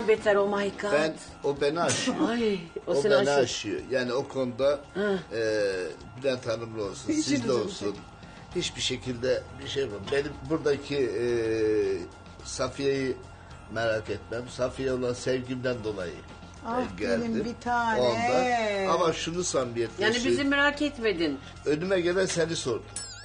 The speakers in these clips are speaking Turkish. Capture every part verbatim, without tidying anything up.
beter, oh my god. Ben, o beni aşıyor. Ay, o, o seni beni aşıyor. aşıyor. Yani o konuda e, Bülent Hanım'la olsun, sizde olsun. Hiçbir şekilde bir şey yapmam. Benim buradaki e, Safiye'yi merak etmem. Safiye olan sevgimden dolayı Ah e, geldim. benim bir tane. Ondan. Ama şunu samimiyetle Yani bizi söyleyeyim. merak etmedin. Önüme gelen seni sordu.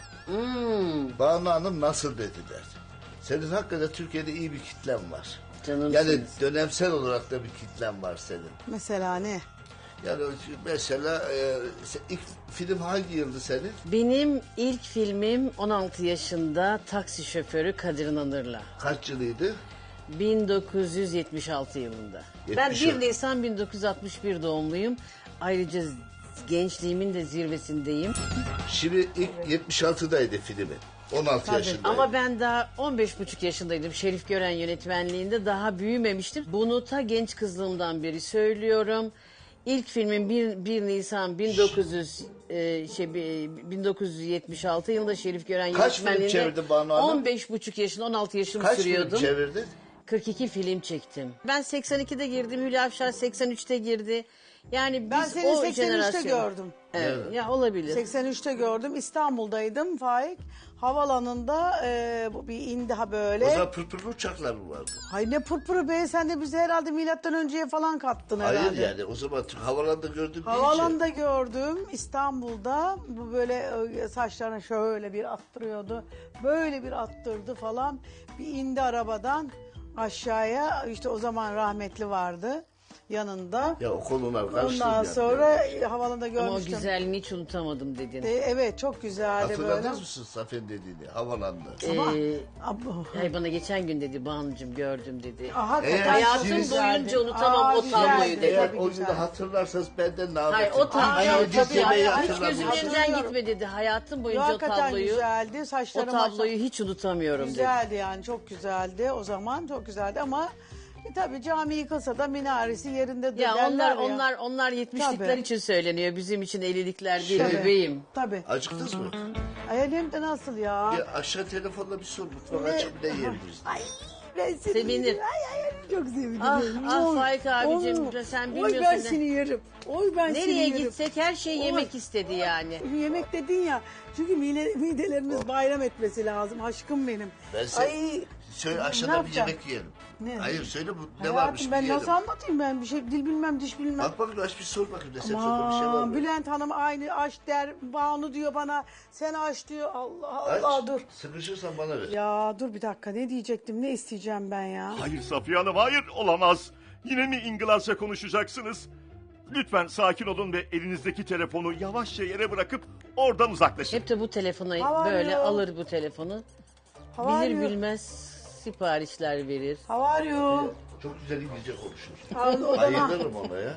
Hmm. Banu Hanım nasıl dediler. Senin hakikaten Türkiye'de iyi bir kitlen var. Canımsınız. Yani dönemsel olarak da bir kitlen var senin. Mesela ne? Yani mesela e, ilk film hangi yıldı senin? Benim ilk filmim on altı yaşında taksi şoförü Kadir İnanır'la. Kaç yılıydı? bin dokuz yüz yetmiş altı yılında. Ben yetmiş bir Nisan bin dokuz yüz altmış bir doğumluyum. Ayrıca gençliğimin de zirvesindeyim. Şimdi ilk yetmiş altıdaydı filmi. on altı yaşındaydı. Ama ben daha on beş buçuk yaşındaydım. Şerif Gören yönetmenliğinde, daha büyümemiştim. Bunu ta genç kızlığımdan beri söylüyorum. İlk filmim bir Nisan bin dokuz yüz e, şey bi- bin dokuz yüz yetmiş altı yılında Şerif Gören Kaç film yönetmenliğinde. çevirdin Banu Hanım? on beş buçuk yaşında, on altı yaşımı Kaç sürüyordum. film çevirdin? kırk iki film çektim. Ben seksen ikide girdim, Hülya Avşar seksen üçte girdi. Yani biz Ben seni o seksen üçte jenerasyon. gördüm. Evet, Evet. ya olabilir. seksen üçte gördüm. İstanbul'daydım Faik. Havalanında e, bu bir indi ha O böyle. zaman pırpırlı uçaklar mı vardı? Hay ne pırpırı be, sen de bizi herhalde milattan önceye falan kattın herhalde. Hayır yani o zaman havalanda gördüm Havalanda gördüm İstanbul'da, bu böyle e, saçlarını şöyle bir attırıyordu. Böyle bir attırdı falan. Bir indi arabadan aşağıya, işte o zaman rahmetli vardı yanında. Ya o konular karıştı. Ondan yani. sonra e, havalanda Ama o görmüştüm. güzelliğini hiç unutamadım dedin. E, evet çok güzeldi böyle. Hatırladınız mısın Safiye'nin dediğini? Havalanda. Ee, Abo. Ay bana geçen gün dedi, Banu'cum gördüm dedi. Ah, hakikaten Eğer çok Hayatım siz- güzeldi. boyunca unutamam Aa, o tabloyu güzeldi, dedi. Eğer tabii o güzeldi. günü hatırlarsanız benden ne Hayır yapayım? o tabloyu Ay, Yediğiniz tabii, yemeği ay, hiç hatırlamıyorum. gözümün önünden Hatırlıyorum. gitme dedi. Hayatım boyunca o Hakikaten tabloyu, güzeldi. o Saçları tabloyu maşallah- hiç unutamıyorum dedi. Güzeldi yani, çok güzeldi o zaman, çok güzeldi ama e, tabii cami yıkılsa da minaresi yerinde Ya derler onlar ya. onlar onlar yetmişlikler Tabii. için söyleniyor. Bizim için ellilikler değil Tabii, bebeğim. Tabii. Acıktınız mı? Ay hem de nasıl ya? Bir aşağı telefonla bir sor. Mutfağa Ne? açıp ne yiyebiliriz? Ay ben seni Sevinir. yerim. Ay ay ay, çok sevinirim. Ah, ah, Oy, Faik abicim, oy. sen Oy bilmiyorsun ben ne- seni yerim. Oy ben seni Nereye yerim. gitsek her şey Oy. yemek istedi yani. Yemek dedin ya. Çünkü mide, midelerimiz bayram etmesi lazım. Aşkım benim. Ben sen- Ay. Söyle Ne aşağıda bir yapacağım? yemek yiyelim. Ne? Hayır söyle bu ne Hayatım, varmış ben bir yiyelim. nasıl anlatayım, ben bir şey dil bilmem diş bilmem. Bak bakayım aç bir sor bakayım desem şurada bir şey var Aman mı? Bülent Hanım aynı aç der, Banu diyor bana, sen aç diyor. Allah Allah Aç, dur. sıkışırsan bana ver. Ya dur bir dakika, ne diyecektim, ne isteyeceğim ben ya? Hayır Safiye Hanım, hayır, olamaz. Yine mi İngilizce konuşacaksınız? Lütfen sakin olun ve elinizdeki telefonu yavaşça yere bırakıp oradan uzaklaşın. Hep de bu telefonu Hava böyle arıyor. alır bu telefonu. How Bilir are you? bilmez siparişler verir. How are you? Çok güzel İngilizce konuşur. Aa, odana, Bayılırım ona ya.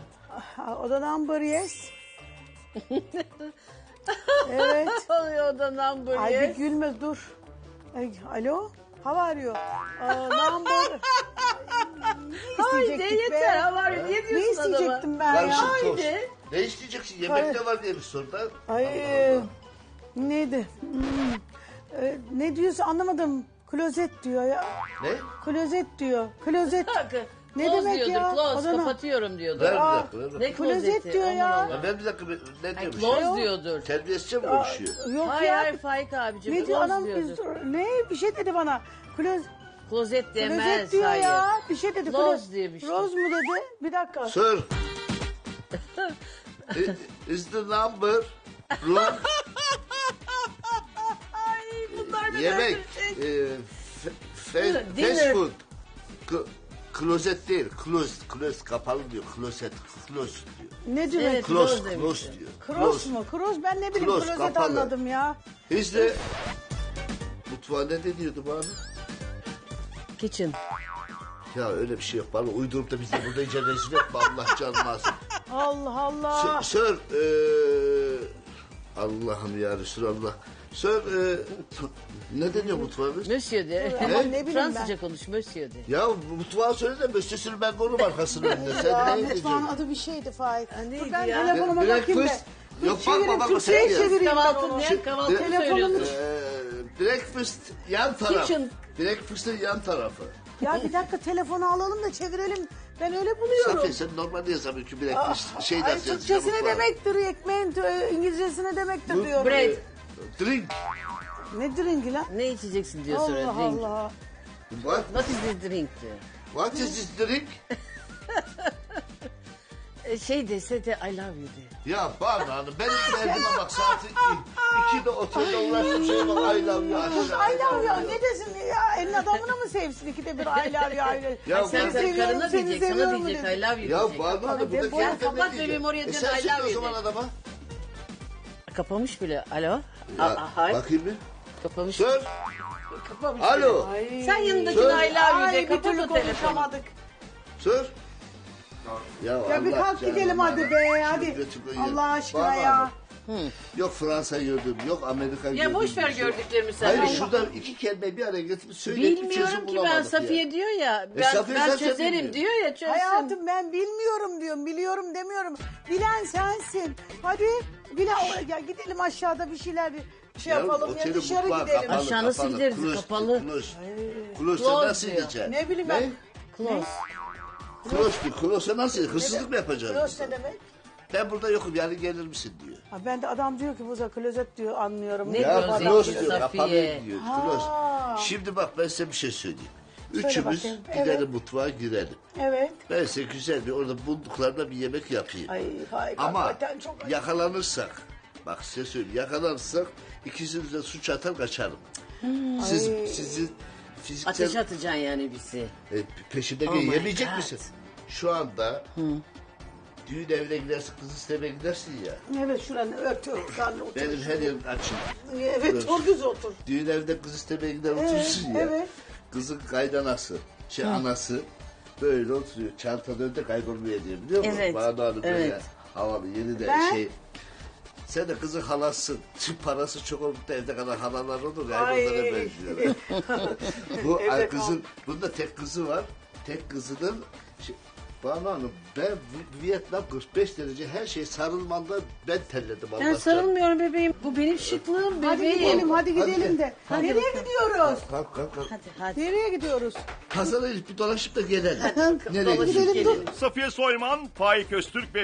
oda number yes. Evet. Oluyor o da number Ay bir yes. gülme dur. Ay, alo? How are you? Aa, number. Ne Haydi isteyecektik yeter be? havar niye Ne diyorsun adama? isteyecektim ben ya? Karışık tost. Haydi. Ne isteyeceksin? Yemek Hayır. ne var diye bir sor da. Ay e, neydi? Hmm, e, ne diyorsun anlamadım. Klozet diyor ya. Ne? Klozet diyor. Klozet. Bakın. Ne close demek diyordur, ya? Close, Odana- kapatıyorum diyordur. Ver bir Aa, dakika. Ver bir dakika. Ne Klozet klozeti? diyor Aman ya. Allah'ım. Ya ver bir dakika. bir- Ne Ay, diyormuş? close ya? diyordur. Terbiyesizce mi konuşuyor? Yok Hayır ya. hayır Faik abicim. Ne diyor close anam? diyordur. Ne? Bir şey dedi bana. Kloz, Klozet demez. klozet diyor hayır. ya. Bir şey dedi. Close Kloz- diyor bir şey. Roz mu dedi? Bir dakika. Sir. i- Is the number room Ay bunlar da yemek böyle- e, fe- fe- Dinner. fast food K- klozet değil close close kapalı diyor klozet close diyor Ne diyor? Evet. close Close demişti. close diyor Kroz mu? Kroz ben ne bileyim, Close, klozet kapalı. anladım ya. işte mutfağa ne diyordu bana Kitchen. ya öyle bir şey yok bana uydurup da bizi burada iyice rezil etme Allah canını alsın. Allah Allah. Sir, sir eee, Allah'ım ya Resulallah sir eee, ne deniyor mutfağımız Monsieur de. Ama ne bileyim Fransızca ben. konuş Monsieur de. ya mutfağı söyle de müstesini ben korum arkasının önünde Ya sen ne mutfağın ediyorsun adı bir şeydi Faik. Ha, neydi Dur ben ya? telefonuma Direkt bakayım da. fıs- Dur Yok, bakma, çevireyim, bakma, Türkçe'ye sen çevireyim ben Kahvaltı onu. ne? Kahvaltı mı Telefonum- söylüyorsun? Eee, breakfast yan taraf. Kitchen. Breakfast'ın yan tarafı. Ya bir dakika telefonu alalım da çevirelim. Ben öyle buluyorum. Safiye sen normalde yazamıyorsun ki bir Aa, şey ay, nasıl Türkçesi ne yazacağım? demektir? Ekmeğin tö- İngilizcesi ne demektir Bu- diyorum. Bread. Drink. Ne drinki lan? Ne içeceksin diyor sonra. Allah Drink. Allah. What? What is this drink diyor. What is this drink? E, Şey dese de I love you de. Ya Banu Hanım benim derdime bak saati iki de otelde uğraştım şey bak I love you. Kız I love you ne desin ya? Elin adamına mı sevsin ikide bir I love you? I love you. Ya Sen ben- sen seviyorum, karına seni diyecek, sana seviyorum diyecek dedi. I love you Ya diyecek. Banu Hanım burada Kapat, kendi kapat kendine bebeğim, diyecek. oraya E dön, sen I söyle love o you zaman de. adama. Kapamış bile. Alo. Ya, Aa, hayır. bakayım bir. Kapamış. Sor. Kapamış Alo. bile. Sen yanındakine Sor. I love you Ay de. bir Kapat türlü o telefonu. konuşamadık. Sor. Ya, Ya bir Allah kalk canım, gidelim hadi Allah. be hadi. Şükret'i koyun. Allah aşkına Banu ya. Hanım, Yok Fransa gördüm, yok Amerika gördüm. Ya boş ver bir şey. gördüklerimi sen. Hayır Allah- şurada iki kelimeyi bir araya getirip söyleyip bir çözüm Bilmiyorum ki ben bulamadık Safiye ya. diyor ya. E, Ben, Safiye ben zaten çözerim bilmiyor. diyor ya çözsün. Hayatım ben bilmiyorum diyorum, biliyorum demiyorum. Bilen sensin. Hadi bilen ya gidelim aşağıda bir şeyler şey Ya, yapalım ya oteli dışarı mutfağı gidelim. kapalı, Aşağı nasıl kapalı. gideriz? Close, Kapalı. Close. Close Close nasıl diyor. gideceksin? Ne bileyim ben. Close. Close bir close nasıl? Hırsızlık mı yapacağız? Close biz? ne demek? Ben burada yokum yani gelir misin diyor. Ha, ben de adam diyor ki buza klozet diyor anlıyorum. Ne Ne diyorsun Ya Close close diyor, diyor, Safiye. kapalı diyor. Close. Ha. Şimdi bak ben size bir şey söyleyeyim. Söyle Üçümüz bakayım. gidelim Evet. mutfağa girelim. Evet. Ben size güzel bir orada bulduklarında bir yemek yapayım. Ay hay Ama hakikaten çok acı. yakalanırsak, bak size söyleyeyim, yakalanırsak ikisiniz de suç atar kaçarım. Siz, Ay. sizi fiziksel Ateş atacaksın yani bizi. e, peşimde Oh gel- my yemeyecek God. misin? Şu anda düğün evine gidersin, kız istemeye gidersin ya. Evet şuranı ört ört. Karnı otur. Benim her yerim açık. Evet dur düz otur. Düğün evinde kız istemeye gider Evet, otursun ya. evet. Kızın kaydanası, şey anası böyle oturuyor. Çantada önde kaybolmaya diyor biliyor musun? Evet, Bana Hanım böyle evet. havalı yeni de Ben- şey. Sen de kızın halasın. Tüm parası çok olup da evde kadar halalar olur ya. Ay. Onlara benziyorlar. Bu Evde ay kızın, bunda tek kızı var. Tek kızının şey, Banu Hanım ben Vi- Vietnam kırk beş derece her şey sarılmanda ben terledim. Ben Allah canım. sarılmıyorum bebeğim. Bu benim şıklığım Hadi bebeğim. gidelim hadi Hadi gidelim gel. de. Hadi Nereye bakalım. gidiyoruz? Kalk kalk kalk. Hadi hadi. Nereye gidiyoruz? Pazara bir dolaşıp da gelelim. Nereye Dolaşıp gidiyoruz? gelelim. Safiye Soyman, Faik Öztürk ve